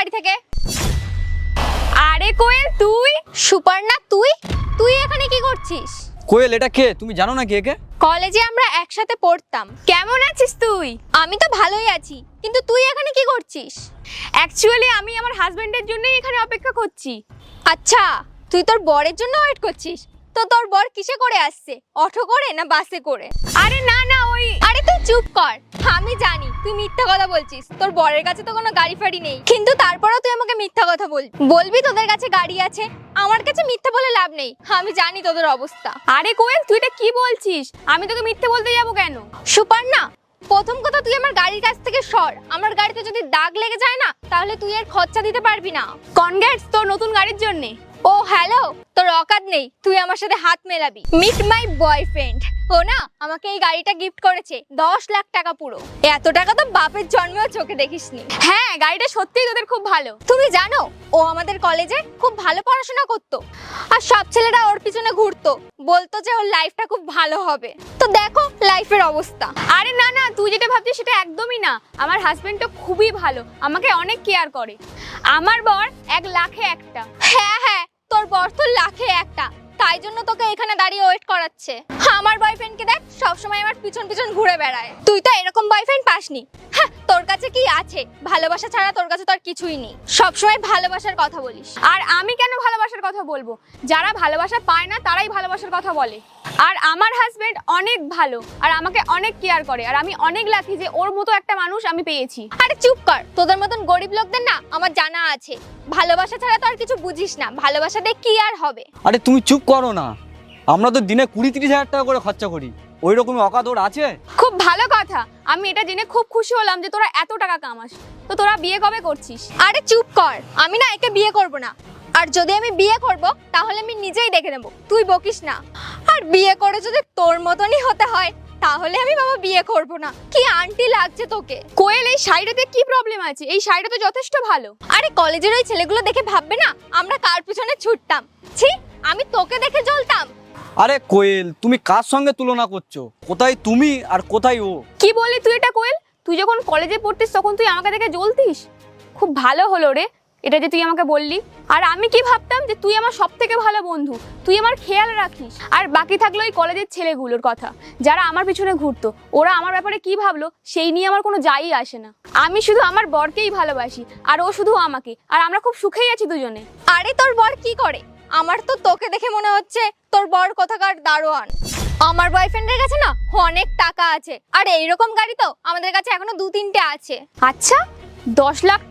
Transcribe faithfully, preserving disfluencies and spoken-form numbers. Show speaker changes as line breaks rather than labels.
গাড়ি থেকে। আরে কোয়েল তুই? সুপর্ণা তুই তুই এখানে কি করছিস?
কোয়েল এটা কে, তুমি জানো না কে কে?
কলেজে আমরা একসাথে পড়তাম। কেমন আছিস তুই? আমি তো ভালোই আছি, কিন্তু তুই এখানে কি করছিস? অ্যাকচুয়ালি আমি আমার হাজবেন্ডের জন্যই এখানে অপেক্ষা করছি। আচ্ছা, তুই তোর বরের জন্য ওয়েট করছিস? তো তোর বর কিসে করে আসছে, অটো করে না বাসে করে? আরে না না ওই। আরে তুই চুপ কর, আমি জানি তুই মিথ্যা কথা বলছিস। তোর বরের কাছে তো কোনো গাড়ি ফাড়ি নেই, কিন্তু তারপরেও তুই আমাকে মিথ্যা কথা বল বলবি তোদের কাছে গাড়ি আছে। আমার কাছে মিথ্যা বলে লাভ নেই, আমি জানি তোদের অবস্থা। আরে কোয়েল তুই এটা কি বলছিস? আমি তোকে মিথ্যে বলতে যাবো কেন? সুপর্ণা, প্রথম কথা তুই আমার গাড়ির কাছ থেকে সর। আমার গাড়িতে যদি দাগ লেগে যায় না, তাহলে তুই এর খরচা দিতে পারবি না। কনগ্রেটস তোর নতুন গাড়ির জন্য। ও হ্যালো, তোর অকাত নেই তুই আমার সাথে হাত মেলাবি। Meet my boyfriend. ও না আমাকে এই গাড়িটা গিফট করেছে, দশ লাখ টাকা পুরো। এত টাকা তো বাপের জন্মেও চোখে দেখিসনি। হ্যাঁ, গাড়িটা সত্যিই তোদের খুব ভালো। তুমি জানো ও আমাদের কলেজে খুব ভালো পড়াশোনা করতো, আর সব ছেলেরা ওর পিছনে ঘুরতো, বলতো যে ওর লাইফটা খুব ভালো হবে। তো দেখো লাইফের অবস্থা। আরে না না, তুই যেটা ভাবছিস সেটা একদমই না। আমার হাজবেন্ড তো খুবই ভালো, আমাকে অনেক কেয়ার করে। আমার বর এক লাখে একটা। হ্যাঁ হ্যাঁ, তোর বর তো লাখে একটা, তাই জন্য তোকে এখানে দাঁড়িয়ে ওয়েট করাচ্ছে। আমার বয়ফ্রেন্ডকে দেখ, সবসময় আমার পিছন পিছন ঘুরে বেড়ায়। তুই তো এরকম বয়ফ্রেন্ড পাসনি। হ্যাঁ, তোর কাছে কি আছে? ভালোবাসা ছাড়া তোর কাছে তো আর কিছুই নেই। সবসময় ভালোবাসার কথা বলিস। আর আমি কেন ভালোবাসার কথা বলবো? যারা ভালোবাসা পায় না তারাই ভালোবাসার কথা বলে। আর আমার হাজবেন্ড অনেক ভালো, আর আমাকে অনেক কেয়ার করে, আর আমি অনেক লাকি যে ওর মতো একটা মানুষ আমি পেয়েছি। আরে চুপ কর, তোদের মতন গরিব লোকদের না আমার জানা আছে, ভালোবাসা ছাড়া তো আর কিছু বুঝিস না। ভালোবাসা দিয়ে কি আর হবে?
আরে তুমি চুপ করো না, আমরা তো দিনে কুড়ি তিরিশ হাজার টাকা করে খরচা করি, ওই রকমই অকাত ওর আছে?
খুব ভালো কথা, আমি এটা জেনে খুব খুশি হলাম যে তোরা এত টাকা কামাস। তো তোরা বিয়ে কবে করছিস? আরে চুপ কর, আমি না একে বিয়ে করব না। আর যদি আমি বিয়ে করব তাহলে আমি নিজেই দেখে নেব, তুই বকিস না। আর বিয়ে করে যদি তোর মতনই হতে হয় তাহলে আমি বাবা বিয়ে করব না। কি আন্টি লাগছে তোকে। কোয়েল এই শাড়িটাতে কি প্রবলেম আছে? এই শাড়িটা তো যথেষ্ট ভালো। আরে কলেজের ওই ছেলেগুলো দেখে ভাববে না আমরা কার পিছনে ছুটতাম। ছি, আমি তোকে দেখে জ্বলতাম।
আরে কোয়েল তুমি কার সঙ্গে তুলনা করছো? কোথায় তুমি আর কোথায় ও?
কি বলি তুই এটা কোয়েল? তুই যখন কলেজে পড়তিস তখন তুই আমাকে দেখে জ্বলতিস? খুব ভালো হলো রে এটা যে তুই আমাকে বললি। আর আমি কি ভাবতাম যে তুই আমার সব থেকে ভালো বন্ধু, তুই আমার খেয়াল রাখিস। আর বাকি থাকলো এই কলেজের ছেলেগুলোর কথা, যারা আমার পিছনে ঘুরতো, ওরা আমার ব্যাপারে কি ভাবলো সেই নিয়ে আমার কোনো যাই আসে না। আমি শুধু আমার বরকেই ভালোবাসি, আর ও শুধু আমাকে, আর আমরা খুব সুখেই আছি দুজনে। আরে তোর বর কি করে? আমার তো তোকে দেখে মনে হচ্ছে তোর বর কোথাকার দারোয়ান। আমার বয়ফ্রেন্ডের কাছে না অনেক টাকা আছে, আর এইরকম গাড়ি তো আমাদের কাছে এখনো দু তিনটে আছে। আচ্ছা, দশ লাখ